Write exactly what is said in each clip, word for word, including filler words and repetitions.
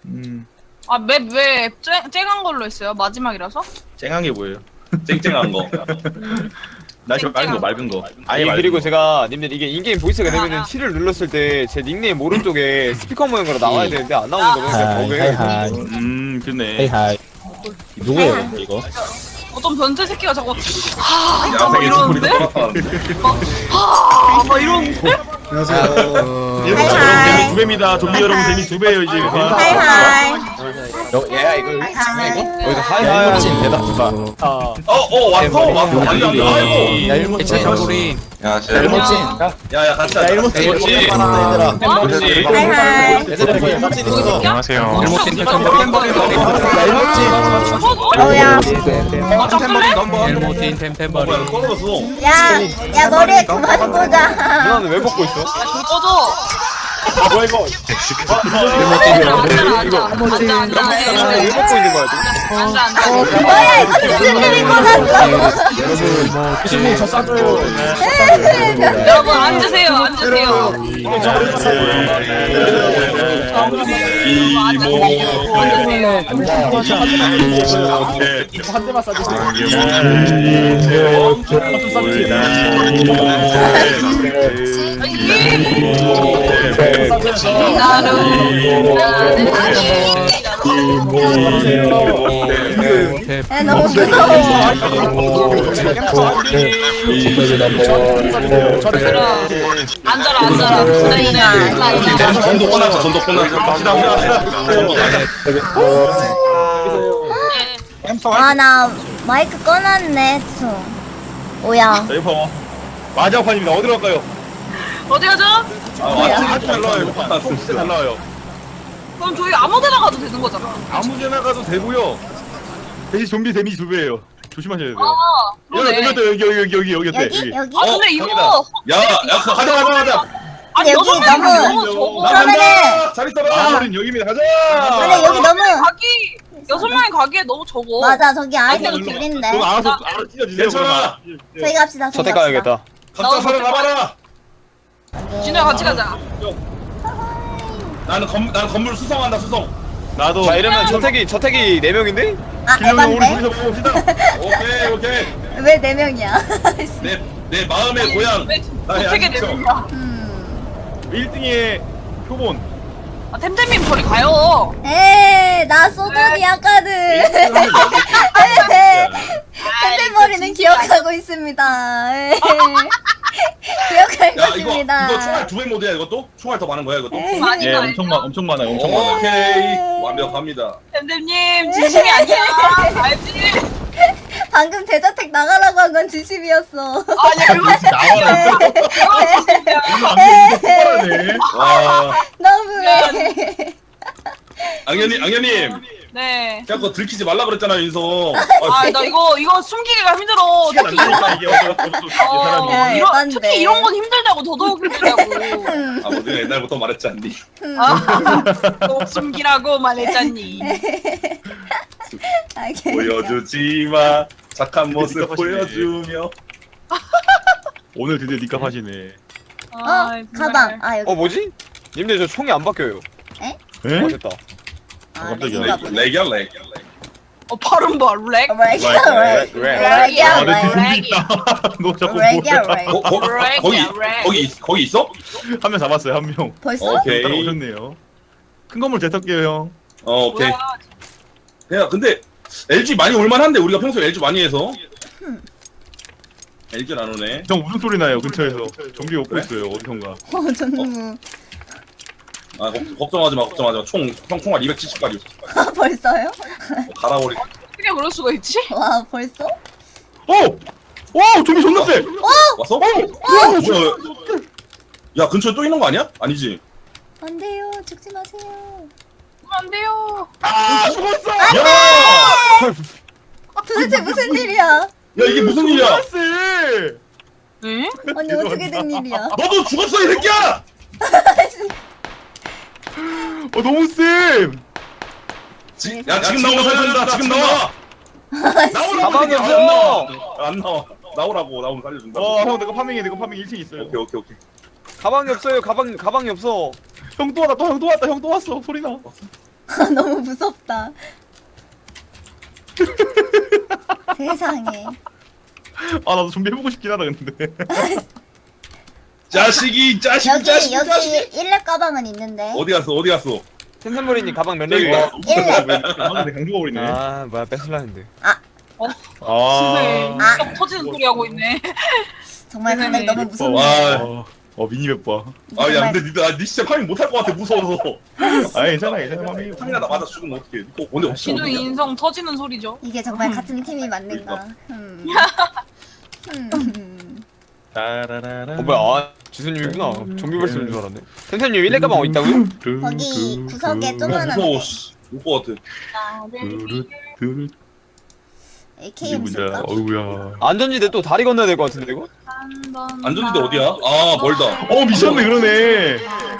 음. 아, 맵 왜 쨍한 걸로 했어요? 마지막이라서? 쨍한 게 뭐예요? 쨍쨍한 거. 날씨 맑은 거 맑은 거. 아예 아니 맑은 그리고 거. 제가 님들 이게 인게임 보이스가 되면은 아. T를 눌렀을 때 제 닉네임 오른쪽에 스피커 모양으로 나와야 되는데 안 나오는 거면 그냥 하이 버그예요. 하이 하이 음 그네. 헤이 하이 누구예요 이거? 어떤 변태 새끼가 자꾸 하, 막 야생의 이러는데? 스토리 똑같은. 하, 막 이러는데? 여러분 하이, 재미 하이. 두 배입니다. 좀비 여러분 재미 두 배예요 이제. 하이하이. 너 얘야 이거 이거? 여기서 하이하이 일모친 대답해봐. 어, 어, 왔어, 왔어. 아니, 아니, 아이고. 야 일모친 템버린 야, 진짜. 일모친. 야, 야, 같이 야 하자. 일모친 일모친. 얘들아. 하이하이. 얘들아 이거 일모친 있어. 안녕하세요 일모친 템버린 야 일모친. 어우야. 일모틴 템템버린 뭐야, 떨어졌어. 야, 야 머리에 그만 보자. 누나는 왜 벗고 있어? 아, 불 꺼줘. 아 뭐야 이거 앉아, 앉아, 앉아. 앉아, 앉아. 왜 벗고 있는 거야 지금? 앉아, 앉아. 뭐야 이거 무슨 일이 꽂았어? 여러분 뭐 친구 저 싸줘요. 여러분, 앉으세요, 앉으세요. 한 대만 싸주세요. 야 너무 무서워. 앉아라, 앉아라. 네, 네, 앉아, 앉아. 전도 끝났어, 전도 끝났어. 아 나 마이크 꺼놨네. 수. 오야. 자 이거 마지막 판입니다. 어디로 갈까요? 어디 가죠? 아주 잘 나와요. 이거 진짜 잘 나와요. 그럼 저희 아무 데나 가도 되는 거잖아. 아무데나 가도 되고요. 대신 좀비 데미지 두 배예요. 조심하셔야 돼요. 아, 여기 그러네. 여기 여기 여기 여기 여기 어때? 여기 여기. 아, 근데 이거. 저기다. 야, 야, 그거 가자, 가자, 가자. 아니, 여기 여섯 명이 너무- 너무 적어. 나 그러면은- 간다. 잘 있어라. 아, 우린 여기입니다. 가자. 근데 여기 너무 가기, 여섯 명이 가기에 너무 적어. 맞아 저기 아이템 아니, 둘인데. 그럼 알아서 알아서 찢어주세요. 괜찮아. 그러면. 저희 갑시다. 저희 저택 갑시다. 가야겠다. 각자 살아남아라. 진우야, 같이 가자. 나는 건, 나는 건물 수성한다, 수성. 나도. 자 이러면 저택이 저택이 네 명인데? 아 길령이 우리 에반데? 둘이서 봅시다. 오케이, 오케이. 왜 네 명이야? 내, 내 마음의 고향. 왜 나의 어떻게 안식처. 되는가? 음. 일 등의 표본. 아, 템템님 저리 가요. 에이 나 소전이야 카드. 템템머리는 기억하고 있습니다. 에이. 기억하고 야, 이거, 있습니다. 이거 총알 두 배 모드야, 이것도? 총알 더 많은 거야, 이것도? 에이. 아니, 예, 아니. 엄청 많 엄청 많아요. 엄청 많아요. 오케이. 완벽합니다. 템템님 진심이 아니야. 알지? 방금 대저택 나가라고 한 건 진심이었어. 아니, 그거 나와라. 그거 진심이야. 똑바로네. 와. 너무해. 앙현님, 앙현님. 네. 제가 그거 들키지 말라 그랬잖아, 윤성. 아, 나 이거 이거 숨기기가 힘들어. 시간 안 특히 이런 되니까 이게 어쩔 수 없어. 이 어, 사람이. 야, 이런 예반데. 특히 이런 건 힘들다고 더더욱 힘들다고. 아, 뭐, 내가 옛날부터 말했지 않니? 아, 꼭 숨기라고 말했잖니. 알겠어. 보여주지 마. 착한 모습 니값 하시네. 보여주며. 오늘 드디어 니값 하시네. 어 아, 가방. 아 여기. 어 뭐지? 님들 저 총이 안 바뀌어요. 에? 어 됐다. 아, 깜짝이야. 렉인가 렉, 보네. 렉이야, 렉. 어, 발음 봐, 렉. 어, 렉이야 렉. 렉. 렉이야 아, 내 뒤에 렉. 좀비 있다. 너 자꾸 렉이야 뭐야? 렉. 거, 거, 렉이야, 거기, 렉. 거기, 있- 거기 있어? 한 명 잡았어요, 한 명. 벌써? 오케이. 따라오셨네요. 큰 건물 재탈게요, 형. 어, 오케이. 뭐야? 야, 근데 엘지 많이 올만한데 우리가 평소에 엘지 많이 해서. 엘지는 안 오네. 형 무슨 소리 나요, 근처에서. 좀비 오고 그래? 있어요, 어디선가. 어 전무. 아, 걱- 걱정하지 마, 걱정하지 마. 총, 총 총알 이백칠십 발이 아 벌써요? 갈아버리. 어떻게 그럴 수가 있지? 와 벌써? 오! 오! 좀비 존나 세! 왔어? 어? 뭐야? 야, 근처에 또 있는 거 아니야? 아니지. 안 돼요. 죽지 마세요. 안 돼요. 아! 죽었어! 야! 도대체 무슨 일이야? 야, 이게 무슨 일이야? 존나 세! 네? 아니 어떻게 된 일이야? 너도 죽었어, 이 새끼야! 어, 너무 세! 지, 야, 지금 나오면 살려준다. 지금 나와. 나오라고. 가방이 이 새끼야. 없어! 안 나와. 안 나와. 나오라고. 나오면 살려준다. 어, 형, 내가 파밍해, 내가 파밍 일 층 있어요. 오케이, 오케이, 오케이. 가방이 없어요. 가방 가방이 없어. 형 또 왔다, 또 형 또 왔다, 형 또 왔어. 소리 나. 너무 무섭다. 세상에. 아 나도 좀비 해보고 싶긴 하다 근데. 자식이 자식 여기 자식 여기 자식. 일렙 가방은 있는데. 어디 갔어 어디 갔어? 텐텐버리님 가방 몇 저기 렙이야? 일렙. 아, 강조가 버리네. 아 뭐야 뺏을라 했는데. 아. 세상에 아. 딱 터지는 소리 하고 있네. 정말 근데 세상에. 너무 와. 무섭네. 어, 어 미니맵 봐. 아 야 근데 니들 아, 니 진짜 파밍 못할 것 같아 무서워서. 아 괜찮아 괜찮아 마미. 파밍하다 맞아 죽으면 어떡해? 니 오늘 없어. 기둥 인성 터지는 소리죠. 이게 정말 같은 팀이 맞는가? 음. 음. 따라라라. 어 뭐야 아 지수님이구나. 좀비 벌스인 줄 알았네. 텐텐님 일렙 가방 어디 있다고요? 거기 구석에 어, 조그만한 무서워. 데 씨. 올것 같아. 두루 두루. 에이케이엠 이게 쓸까? 뭐냐? 어우야. 안전지대 또 다리 건너야 될 것 같은데 이거? 안전지대 어디야? 아 멀다. 어 미쳤네 그러네.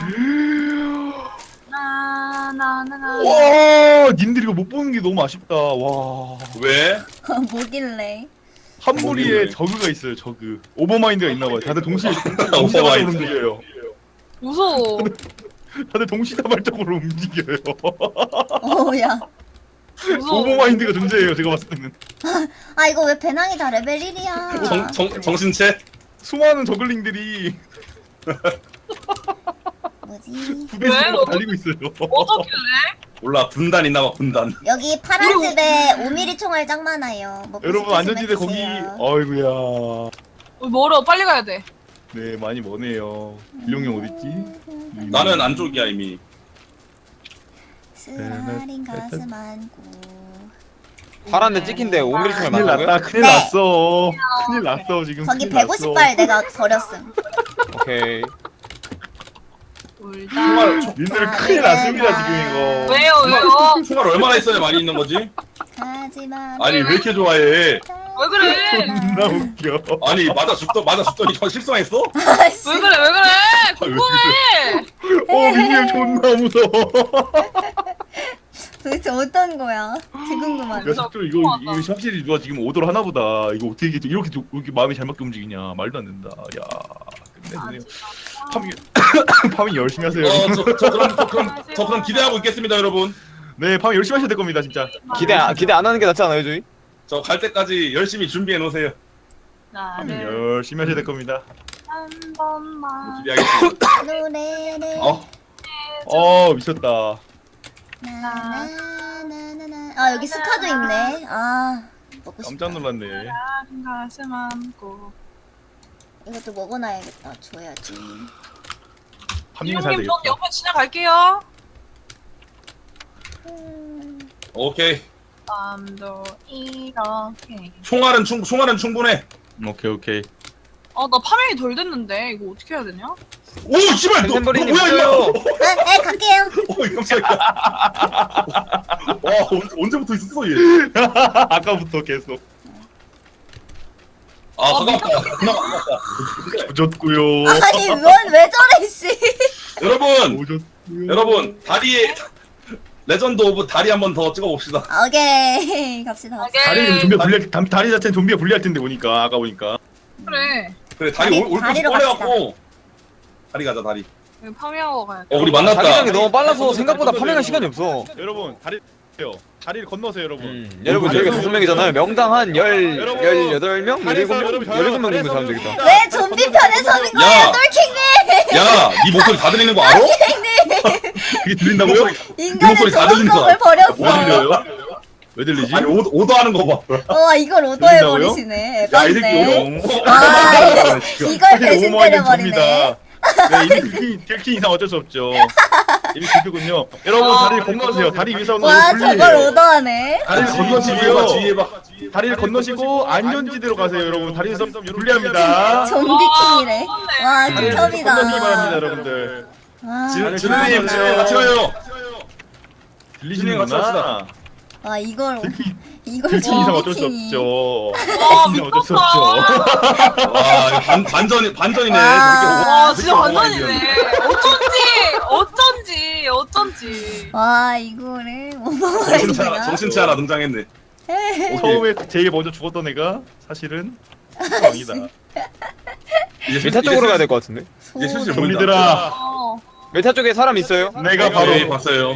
나나나나. 와 님들 이거 못 보는 게 너무 아쉽다. 와. 왜? 뭐길래? 한 무리에 저그가 있어요 저그. 오버마인드가 있나봐요. 다들 동시에 동시다발적으로 오버마인드. 움직여요. 무서워. 다들 동시다발적으로 움직여요. 어야. 무서워. 오버마인드가 존재해요 제가 봤을 때는. 아 이거 왜 배낭이 다 레벨 일이야? 정, 정, 정신체? 수많은 저글링들이 뭐지? 부대식으로 달리고 있어요. 어떻길래? 몰라 군단 있나봐 군단. 여기 파란 집에 오 밀리미터 총알 짱 많아요. 먹고 여러분 싶으시면 안전지대 거기. 드세요. 어이구야. 어, 멀어. 빨리 가야 돼. 네 많이 머네요. 일용이 어딨지? 나는 안쪽이야 이미. 쓰라린 가슴 안고. 파란데 찍힌데 오 밀리미터 총알 큰일 맞는 났다. 거야? 큰일 네. 났어. 큰일 났어 지금. 거기 큰일 백오십 났어. 발 내가 버렸음. 오케이. 울다. 총알 총- 님들 큰일 났습니다 지금 이거. 왜요 왜요? 총알 얼마나 있어야 많이 있는 거지? 하지만 아니 왜 이렇게 좋아해? 왜 그래? 존나 웃겨. 아니 맞아 죽더 맞아 죽더니 저 실성했어? 아씨. 왜 그래 왜 그래? 궁금해. 어 민규 존나 무서워. 도대체 어떤 거야? 되게 궁금하네. 야 sak조 이거 이거 확실히 누가 지금 오더를 하나 보다. 이거 어떻게 이렇게 이렇게, 이렇게 마음이 잘 맞게 움직이냐. 말도 안 된다. 야 끝내주네요. 파밍 파밍 열심히 하세요. 어저 저 그럼 저 그럼 저 그럼 기대하고 있겠습니다 여러분. 네 파밍 열심히 하셔야 될 겁니다 진짜. 기대 아- 기대 안 하는 게 낫지 않아요 저희? 저 갈 때까지 열심히 준비해 놓으세요. 파밍 나를 열심히 하셔야 될 겁니다. 한 번만. 기대하겠습니다. 노래를 어? 어 미쳤다. 나나나나나. 아 여기 스카도 있네. 아 먹고 싶다. 깜짝 놀랐네. 한 가슴 안고. 이것도 먹어놔야겠다. 줘야지. 파밍을 사야 이용님 되겠다. 전 옆에 지나갈게요. 음, 오케이. 밤도 이렇게. 총알은 충 총알은 충분해. 오케이 오케이. 어, 나 파밍이 덜 됐는데 이거 어떻게 해야 되냐? 오 씨발 너, 너 텐텐버리님 뭐야 있어요. 이거? 아, 네 갈게요. 오 깜짝이야. 와 언- 언제부터 있었어 얘? 아까부터 계속 아 가깝다. 그나마 가깝다. 조졌고요. 아니 뭔 왜 저래 씨. 여러분 오졌고요. 여러분 다리에 레전드 오브 다리 한 번 더 찍어봅시다. 오케이 갑시다. 갑시다. 다리는 좀비가 불리할 다- 다리 자체는 좀비가 불리할 텐데 보니까 아까 보니까. 그래. 그래 다리 다리- 올 올것 다리로 꺼내갖고 다리 가자 다리. 여기 파밍하고 가야 돼. 어 우리 만났다. 자기장이 너무 빨라서 생각보다 파밍할 시간이 없어. 여러분 다리 다리를 건너세요 여러분. 음, 여러분 저희가 다섯 명이잖아요. 명당 한 열, 여러분, 열여덟 명? 다리에서 열일곱 명? 여러분, 열일곱 명 정도 다리에서 사면 되겠다. 왜 좀비 편에 서는 거야, 야. 똘킹님? 야, 네 목소리 다 들리는 거 알아? 이게 들린다고요? 인간의 목소리 다 들린다. 정성을 버렸어. 뭐 들려요? 왜 들리지? 아니 오, 오더 하는 거 봐. 와 이걸 오더해 들린다고요? 버리시네. 야, 이 새끼 네 오더. 아, 진짜. 이걸 사실 배신 오버마인드 때려버리네. 접니다. 네, 이미 들킨, 들킨 이상 어쩔 수 없죠. 이미 들켰군요. 여러분 아, 다리를 건너세요. 다리 위에서 와 분리해요. 저걸 오더하네. 다리를 뒤에 봐, 건너시고요. 뒤에 봐. 다리를 건너시고 안전지대로 가세요, 여러분. 다리에서 분리합니다. 좀비킹이래. 와 다리를 건너시기 바랍니다, 극혐이다. 여러분들. 와, 지- 아, 지르님, 아, 지르님 같이 가요. 들리시는구나. 합시다. 와 이걸 들킨, 이걸 들킨 이상 어쩔 수 좀비킹이. 없죠. 와, 들킨 이상 어쩔 수 미쳤다. 없죠. 와, 이거 반 반전 반전이네. 와. 저렇게 와, 오- 진짜 저렇게 완전이네. 어쩐지, 어쩐지, 어쩐지. 와 이거를 정신치 하나, 오버마인드가. 정신치 하나 등장했네. 오케이. 처음에 제일 먼저 죽었던 애가 사실은 왕이다. 이제 메타 쪽으로 가야 될 것 같은데. 이제 슬슬 소름. 보인다. 좀비들아, 어. 메타 쪽에 사람 있어요? 내가 바로 바로 봤어요.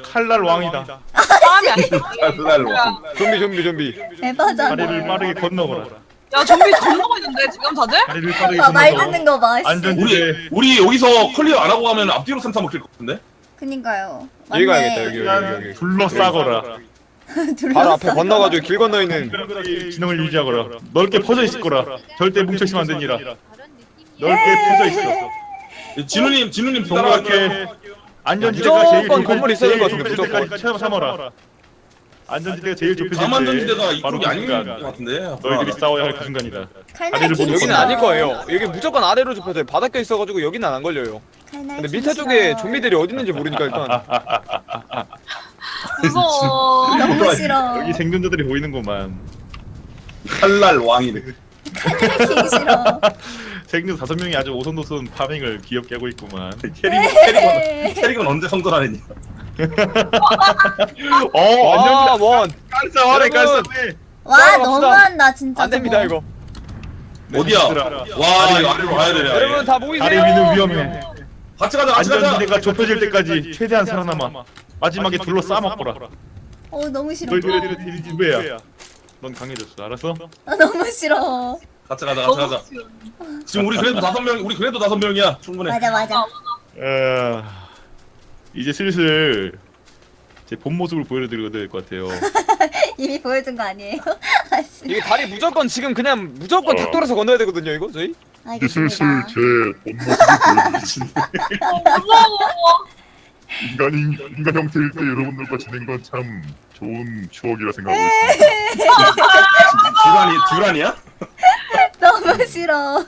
칼날 왕이다. 사람이 아니야. 칼날 왕. 좀비 좀비 좀비. 에바잖아. 다리를 빠르게 건너거라. 야 좀비 건너고 있는데 지금 다들? 다리를 빠르게 아, 말 건너거라. 듣는 거 봐. 씨. 안전- 우리 우리 여기서 클리어 안 하고 가면 앞뒤로 삼삼 먹힐 것 같은데? 그니까요. 여기 맞네. 가야겠다 여기 여기 여기. 둘러싸거라. 둘러싸. 바로 앞에 건너가지고 길 건너 있는. 진영을 유지하거라. 넓게 퍼져 있을 거라. 절대 뭉쳐 있으면 안 되니라. 넓게 퍼져 있어. 진우님 진우님 따라갈게요. 동그랗게 안전지대가 제일 무조건 좁혀질- 건물이 있어야 될것 같은데, 제일 좁혀질 무조건. 때까지 참- 참아라. 안전지대가 제일 좁혀질 때 가만전지대가 바로 이쪽이 그 아닌 순간 것 같은데. 너희들이 싸워야 할 그 순간이다. 칼날 다리를 킹 보고 여기는 싫어. 아닐 거예요. 여기 무조건 아래로 좁혀져요. 바닥에 있어가지고 여기는 안 걸려요. 칼날 근데 킹 밀타 싫어. 쪽에 좀비들이 어디 있는지 모르니까 일단. 무서워. 너무 싫어. 여기 생존자들이 보이는구만. 칼날 왕이네. 칼날 킹 싫어. 생존 다섯 명이 아주 오손도손 파밍을 귀엽게 하고 있구만. 캐릭 캐릭은 캐릭은 언제 성전하느냐? 어, 안전지대 아 원. 깔싸하네, 여러분. 깔싸네. 와 따라갑시다. 너무한다 진짜. 안 됩니다 이거. 어디야? 와 이거 아래로 가야 되네. 여러분 다 모이세요. 다리 위는 위험해. 같이 가자 같이 가자. 안전지대가 좁혀질 때까지 최대한 살아남아. 마지막에 둘러 싸먹거라. 어 너무 싫어. 너희들의 딜이 두 배야. 넌 강해졌어, 알았어? 아, 너무 싫어. 같이 가자 같이 가자. 지금 우리 그래도 다섯 명 우리 그래도 다섯 명이야 충분해. 맞아 맞아. 어, 이제 슬슬 제 본 모습을 보여드려야 될 것 같아요. 이미 보여준 거 아니에요? 아씨. 이게 다리 무조건 지금 그냥 무조건 탁 돌아서 건너야 되거든요 이거 저희. 알겠습니다. 무서워. 인간이 인간 형태일 때 여러분들과 지낸 건 참 좋은 추억이라 생각하고 있습니다. 듀란이 듀란이야? 너무 싫어.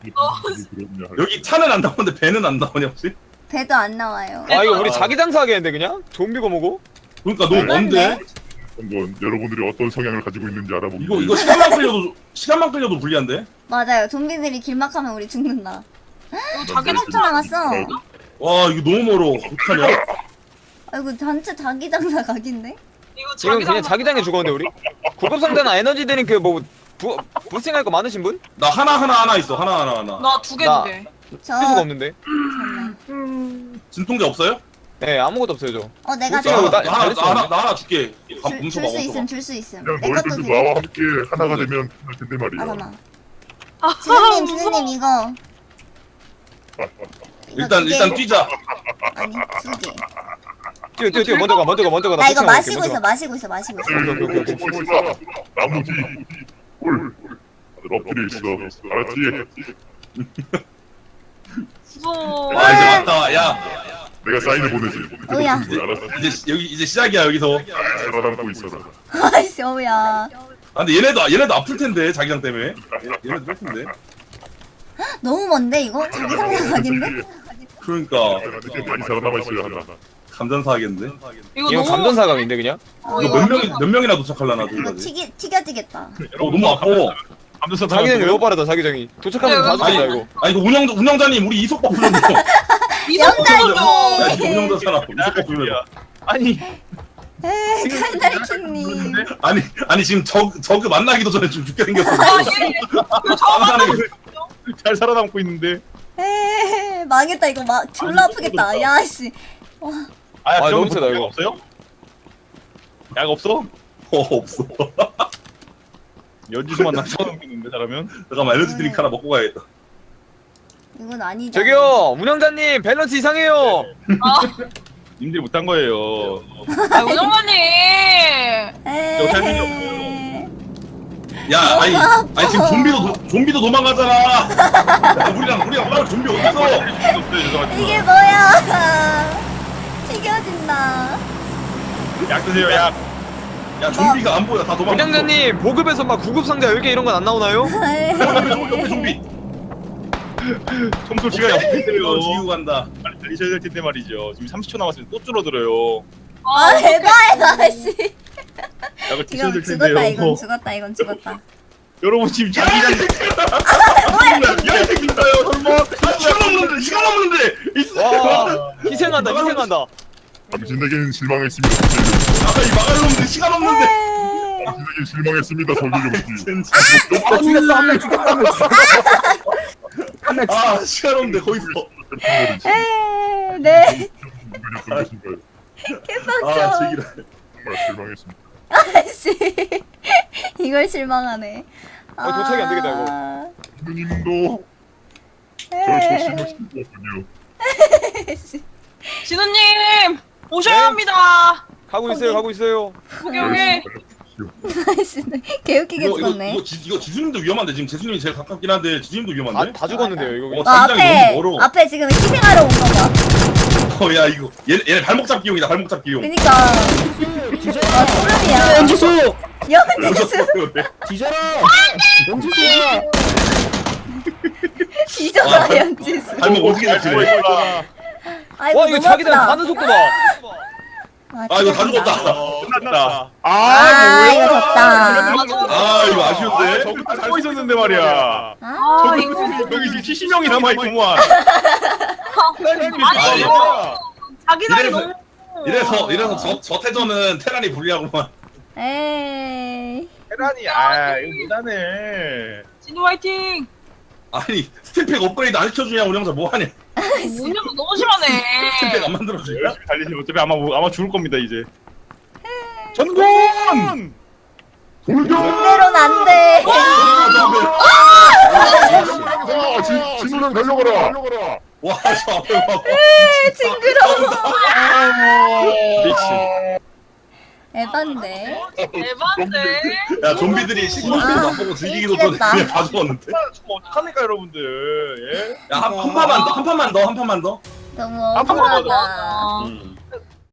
여기 차는 안 나오는데 배는 안 나오냐 혹시? 배도 안 나와요. 아 이거 우리 자기 장사하겠는데 그냥? 좀비고 뭐고? 그러니까 너무 먼데? 한번 여러분들이 어떤 성향을 가지고 있는지 알아보기 이거 위해 이거 시간만 끌려도 시간만 끌려도 불리한데? 맞아요. 좀비들이 길막하면 우리 죽는다. 이거 자기 삼 초 남았어. 와 이거 너무 멀어. 어떡하냐? 아이고 단체 자기 장사 각인데? 이거 지금 자기 그냥 장사- 자기장에 죽었는데 우리? 고급 상자나 에너지 드링크 뭐 부, 부스팅할 거 많으신 분? 나 하나 하나 하나 있어 하나 하나 하나. 나 두 개 나- 두 개. 저 쓸 수가 없는데. 잠깐만. 진통제 없어요? 네 아무것도 없어요 저. 어 내가 나 그렇죠. 줘. 하나 나- 나 하나 나 나 하나 나 하나 줄게. 밥 줄 뭉쳐봐 수 있음 뭉쳐봐. 줄 수 있음. 그냥 내 것도 너희들도 되게. 나와 함께 하나가 되면 할 텐데 아 말이야. 잠깐만. 아, 스님 무서워. 스님 이거. 이거 일단 두 개. 일단 뛰자. 아니 두 개. 뛰어 뛰어 뛰어 먼저 가 먼저 가 먼저 가. 나 이거 부스팅 마시고 할게, 있어 먼저 가. 마시고 있어 마시고 있어. 오케이, 오케이, 오케이. 보고 있어. 나무 뒤, 홀. 다들 엎드려 있어. 알았지? 무서워. 와 이제 왔다. 야 내가 사인을 보내지. 어우야. 알았어. 이제 시- 여기 이제 시작이야 여기서. 살아남고 있어라. 아이씨 어우야. 아 근데 얘네도 얘네도 아플 텐데 자기장 때문에. 얘- 얘네도 아플 텐데. 너무 먼데 이거? 자기 장사 각인데? 그러니까 이렇게 많이 살아남아 있어야 한다. 감전사 하겠는데. 이거 이건 너무 감전사감인데 그냥? 어, 이거 몇 명이 몇 명이나 도착하려나 이거 저기까지. 튀기 튀겨지겠다. 어 너무 아파. 감독사 자기장이 너무 빠르다 자기장이. 도착하면 다 아니 죽는다 이거. 아니 이거 운영 운영자님 우리 이속법 풀려줘. 이성적으로. 야 이거 운영자잖아. 이속법 풀려줘. 아니, 에이 칼날킹님. 아니 아니 지금 저 저그 만나기도 전에 좀 죽게 생겼어. 아, 예. 이거 저만 잘 살아남고 있는데. 에이 망했다 이거 막 졸라 아프겠다. 야씨. 아, 아, 아 너무 세다, 약 이거. 없어요? 약 없어? 어 없어. 연지수만 나 살아남고 있는데 잘하면. 잠깐만 에너지 드링크 하나 먹고 가야겠다. 이건 아니죠. 저기요 운영자님 밸런스 이상해요. 님들이 못한 거예요. 아, 운영관님. 에이. 어떻게 할 야 아니 아니 지금 좀비도 도, 좀비도 도망가잖아. 야, 우리랑 우리랑 싸울 좀비 어디 있어? 이게 뭐야? 튀겨진다. 약 드세요, 약. 야 좀비가 안 보여 다 도망가. 운영자님 보급에서 막 구급 상자 열 개 이런 건 안 나오나요? 에이. 옆에 좀비 옆에 좀비. 청소 시간이 없기 이거 때문에 지우 간다. 빨리 달리셔야 될 텐데 말이죠. 지금 삼십 초 남았으면 또 줄어들어요. 아 대박이다 씨. 약을 드셔야 이건 될 죽었다 텐데요. 이건 죽었다 이건 죽었다. 여러분 지금 자기장 야이 새끼다요 설마. 아 시간 없는데 시간 없는데. 와 희생한다 희생한다. 당신에겐 실망했습니다. 아까 이 막을 놈들 시간 없는데. 당신에겐 실망했습니다. 설계용씨. 진짜. 아 죽였어 한 명 죽였어 한 명 죽였어. 한명 아 시간 없는데 거기서. 에이, 네. 것인가요? 아 개빡쳐. 제기라. 정말 실망했습니다. 아씨. 이걸 실망하네. 아, 도착이 안 되겠다, 이거. 누님도 네. 저를 소심하시는군요. 진우님 오셔야 네. 합니다. 가고 있어요, 가고 있어요. 여기 여기. 아씨, 개웃기게 이거 이거 죽었네. 이거, 지, 이거 지수님도 위험한데 지금 재수님이 제일 가깝긴 한데 지수님도 다, 위험한데. 다 죽었는데요, 이거. 어, 어, 자기장이 앞에 너무 멀어. 앞에 지금 희생하러 온 거봐. 어야 이거 얘 얘네 발목 잡기용이다 발목 잡기용. 그니까. 아 소름이야. 연지수 연지수 뒤져라. 연지수야. 뒤져라 연지수. 발목 어떻게 잡지? 아이고 와, 이거 너무 자기장 아프다. 가는 속도 봐. 아 이거 다 죽었다. 끝났다. 아 이거 졌다. 아 이거 아쉬운데. 저거 살고 있었는데 말이야. 아 이거 여기 지금 칠십 명이 남아있구만. 아니 아, 자기장이 이래서- 너무. 이래서 이래서 저, 저 태전은 테란이 불리하구만. 에이. 테란이 아 이거 못하네. 진우 화이팅. 아니 스팀팩 업그레이드 안 시켜주냐 우리 형사 뭐하냐. 뭐냐고 너무 심하네. 스팀팩 안 만들어주냐. 열심히 달리시면 어차피 아마 아마 죽을 겁니다 이제. 전공. 이대로는 안 돼. 아, 진- 진우랑 달려가라. 와저 앞에 봐. 징그러워. 미친. 에반데. 대박인데. 야 좀비들이 시골 아, 맛보고 즐기기도 전에 미치겠다. 그냥 다 죽었는데. 죽으면 어떡합니까 여러분들? 예? 야한 한 판만 더 한 판만 더 한 판만 더. 너무 한 번만 더. 억울하다. 음.